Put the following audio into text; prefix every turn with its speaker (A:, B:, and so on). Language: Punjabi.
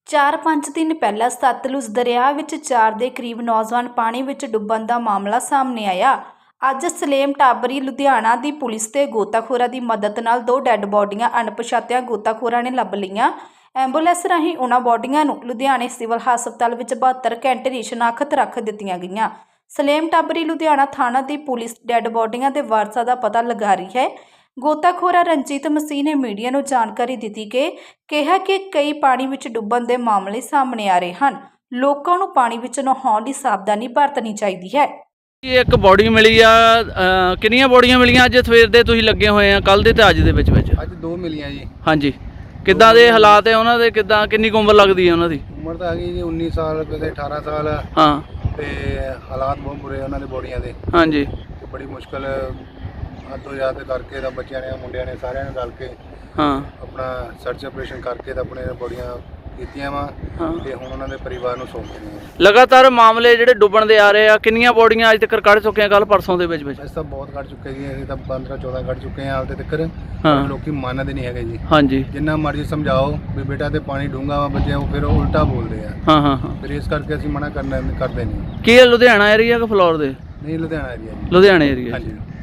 A: 4-5 ਦਿਨ ਪਹਿਲਾਂ ਸਤਲੁਜ ਦਰਿਆ ਵਿੱਚ 4 ਦੇ ਕਰੀਬ ਨੌਜਵਾਨ ਪਾਣੀ ਵਿੱਚ ਡੁੱਬਣ ਦਾ ਮਾਮਲਾ ਸਾਹਮਣੇ ਆਇਆ। ਅੱਜ ਸਲੇਮ ਟਾਬਰੀ ਲੁਧਿਆਣਾ ਦੀ ਪੁਲਿਸ ਤੇ ਗੋਤਾਖੋਰਾਂ ਦੀ ਮਦਦ ਨਾਲ 2 ਡੈੱਡ ਬੋਡੀਆਂ ਅਣਪਛਾਤਿਆਂ ਗੋਤਾਖੋਰਾਂ ਨੇ ਲੱਭ ਲਈਆਂ। ਐਂਬੂਲੈਂਸ ਰਾਹੀਂ ਉਹਨਾਂ ਬੋਡੀਆਂ ਨੂੰ ਲੁਧਿਆਣੇ ਸਿਵਲ ਹਸਪਤਾਲ ਵਿੱਚ 72 ਘੰਟੇ ਦੀ ਸ਼ਨਾਖਤ ਰੱਖ ਦਿੱਤੀਆਂ ਗਈਆਂ। ਸਲੇਮ ਟਾਬਰੀ ਲੁਧਿਆਣਾ ਥਾਣਾ ਦੀ ਪੁਲਿਸ ਡੈੱਡ ਬੋਡੀਆਂ ਦੇ ਵਾਰਸਾਂ ਦਾ ਪਤਾ ਲਗਾ ਰਹੀ ਹੈ। ਗੋਤਾਖੋਰ ਰਣਜੀਤ ਮਸੀਹ ਨੇ ਮੀਡੀਆ ਨੂੰ ਜਾਣਕਾਰੀ ਦਿੱਤੀ ਕਿ ਕਿਹਾ ਕਿ ਕਈ ਪਾਣੀ ਵਿੱਚ ਡੁੱਬਣ ਦੇ ਮਾਮਲੇ ਸਾਹਮਣੇ ਆ ਰਹੇ ਹਨ। ਲੋਕਾਂ ਨੂੰ ਪਾਣੀ ਵਿੱਚ ਨਹਾਉਣ ਦੀ ਸਾਵਧਾਨੀ ਵਰਤਣੀ ਚਾਹੀਦੀ ਹੈ।
B: ਇੱਕ ਬੋਡੀ ਮਿਲੀ ਆ, ਕਿੰਨੀਆਂ ਬੋਡੀਆਂ ਮਿਲੀਆਂ ਅੱਜ ਸਵੇਰ ਦੇ ਤੁਸੀਂ ਲੱਗੇ ਹੋਏ ਆ? ਕੱਲ ਦੇ ਤੇ ਅੱਜ ਦੇ ਵਿੱਚ
C: ਅੱਜ 2 ਮਿਲੀਆਂ ਜੀ।
B: ਹਾਂਜੀ, ਕਿੱਦਾਂ ਦੇ ਹਾਲਾਤ ਹੈ ਉਹਨਾਂ ਦੇ? ਕਿੱਦਾਂ, ਕਿੰਨੀ ਕੁ ਉਮਰ ਲੱਗਦੀ ਹੈ ਉਹਨਾਂ ਦੀ?
C: ਉਮਰ ਤਾਂ ਹੈਗੀ ਜੀ 19 ਸਾਲ, ਕਦੇ 18 ਸਾਲ।
B: ਹਾਂ,
C: ਤੇ ਹਾਲਾਤ ਬਹੁਤ ਬੁਰੇ ਉਹਨਾਂ ਦੇ ਬੋਡੀਆਂ ਦੇ।
B: ਹਾਂਜੀ,
C: ਤੇ ਬੜੀ ਮੁਸ਼ਕਲ ਹੱਦੋਂ ਯਾਦ ਕਰਕੇ ਤਾਂ ਬੱਚਿਆਂ ਨੇ, ਮੁੰਡਿਆਂ ਨੇ, ਸਾਰਿਆਂ ਨੇ ਰਲ ਕੇ
B: ਹਾਂ,
C: ਆਪਣਾ ਸਰਚ ਆਪਰੇਸ਼ਨ ਕਰਕੇ ਤਾਂ ਆਪਣੇ ਬੋਡੀਆਂ ਕੀਤੀਆਂ ਵਾ। ਤੇ ਹੁਣ ਉਹਨਾਂ ਦੇ ਪਰਿਵਾਰ ਨੂੰ ਸੌਂਪ ਦਿੱਤੀਆਂ।
B: ਲਗਾਤਾਰ ਮਾਮਲੇ ਜਿਹੜੇ ਡੁੱਬਣ ਦੇ ਆ ਰਹੇ ਆ। ਕਿੰਨੀਆਂ ਬੋਡੀਆਂ ਅੱਜ ਤੱਕ ਕੱਢ ਚੁੱਕੇ ਆ? ਕੱਲ ਪਰਸੋਂ ਦੇ ਵਿੱਚ
C: ਅਸੀਂ ਤਾਂ ਬਹੁਤ ਕੱਢ ਚੁੱਕੇ ਜੀ। ਅਸੀਂ ਤਾਂ 15-14 ਕੱਢ ਚੁੱਕੇ ਹਾਂ ਹਾਲ ਤੱਕ।
B: ਹਾਂ,
C: ਲੋਕੀ ਮੰਨਦੇ ਨਹੀਂ ਹੈਗੇ ਜੀ।
B: ਹਾਂਜੀ,
C: ਜਿੰਨਾ ਮਰਜ਼ੀ ਸਮਝਾਓ ਵੀ ਬੇਟਾ ਤੇ ਪਾਣੀ ਡੂੰਘਾ ਵਾ, ਬੱਚੇ ਉਹ ਫਿਰ ਉਲਟਾ ਬੋਲਦੇ ਆ।
B: ਹਾਂ ਹਾਂ ਹਾਂ।
C: ਫਿਰ ਇਸ ਕਰਕੇ ਅਸੀਂ ਮਨਾ ਕਰਦੇ ਨਹੀਂ।
B: ਕੀ ਇਹ ਲੁਧਿਆਣਾ ਏਰੀਆ ਕਿ ਫਲੋਰ ਦੇ?
C: ਨਹੀਂ, ਲੁਧਿਆਣਾ ਏਰੀਆ ਜੀ।
B: ਲੁਧਿਆਣਾ ਏਰੀਆ।
C: ਹਾਂਜੀ।